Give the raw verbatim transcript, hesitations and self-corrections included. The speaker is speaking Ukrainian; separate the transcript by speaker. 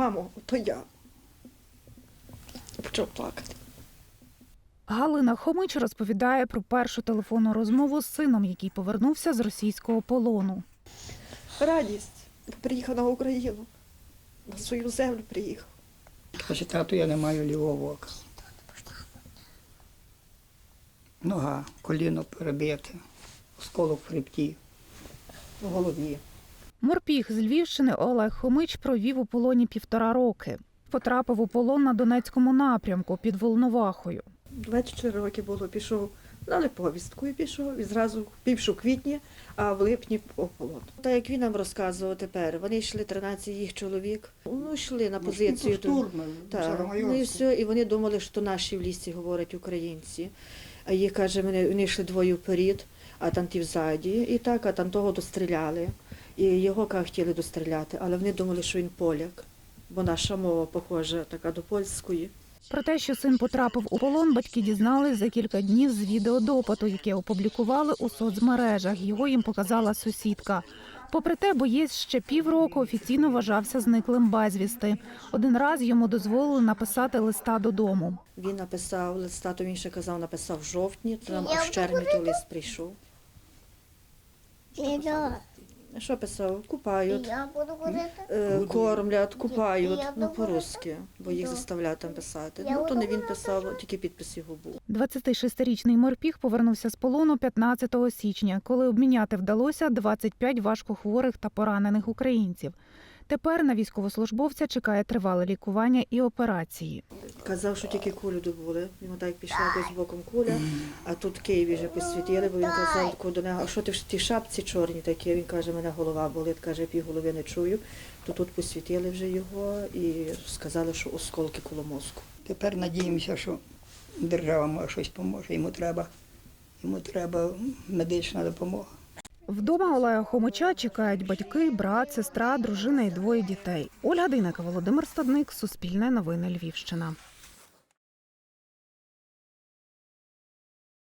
Speaker 1: мамо, то я. Почав плакати.
Speaker 2: Галина Хомич розповідає про першу телефонну розмову з сином, який повернувся з російського полону.
Speaker 1: Радість. Приїхав на Україну. На свою землю приїхав.
Speaker 3: Каже, тату, я не маю лівого ока. Нога, коліно перебите, осколок в хребті, в голові.
Speaker 2: Морпіг з Львівщини Олег Хомич провів у полоні півтора роки. Потрапив у полон на Донецькому напрямку під Волновахою.
Speaker 1: двадцять чотири роки було, пішов, дали повістку і пішов, і зразу півшу квітні, а в липні у полон. Так як він нам розказував тепер, вони йшли, тринадцять їх чоловік, ну йшли на позицію.
Speaker 3: Штурми,
Speaker 1: Так, ну і все, і вони думали, що наші в лісі говорять українці. А їх, каже, вони, вони йшли двоє вперед, а там ті взаді, і так, а там того достріляли. І його, каже, хотіли достріляти, але вони думали, що він поляк, бо наша мова похожа така до польської.
Speaker 2: Про те, що син потрапив у полон, батьки дізнались за кілька днів з відеодопиту, яке опублікували у соцмережах. Його їм показала сусідка. Попри те, боєць ще півроку офіційно вважався зниклим безвісти. Один раз йому дозволили написати листа додому.
Speaker 1: Він написав листа, то він ще казав, написав в жовтні, то нам аж в червні той лист прийшов. Що писав? Купають,
Speaker 4: Я буду ходити.
Speaker 1: е, кормлять, купають, ну по-русски, бо їх заставляють там писати. Ну то не він писав, тільки підпис його був.
Speaker 2: двадцятишестирічний морпіг повернувся з полону п'ятнадцятого січня, коли обміняти вдалося двадцять п'ять важкохворих та поранених українців. Тепер на військовослужбовця чекає тривале лікування і операції.
Speaker 1: Казав, що тільки кулю добули. Йому так пішла якось боком куля, а тут в Києві вже посвітили, бо він казав таку до нього, а що ти в тій шапці чорній такі? Він каже, мене голова болить, каже, пів голови не чую. То тут посвітили вже його і сказали, що осколки коло мозку.
Speaker 3: Тепер надіємося, що держава може щось поможе. Йому треба, йому треба медична допомога.
Speaker 2: Вдома Олега Хомича чекають батьки, брат, сестра, дружина і двоє дітей. Ольга Дейнека, Володимир Стадник, Суспільне новини Львівщина.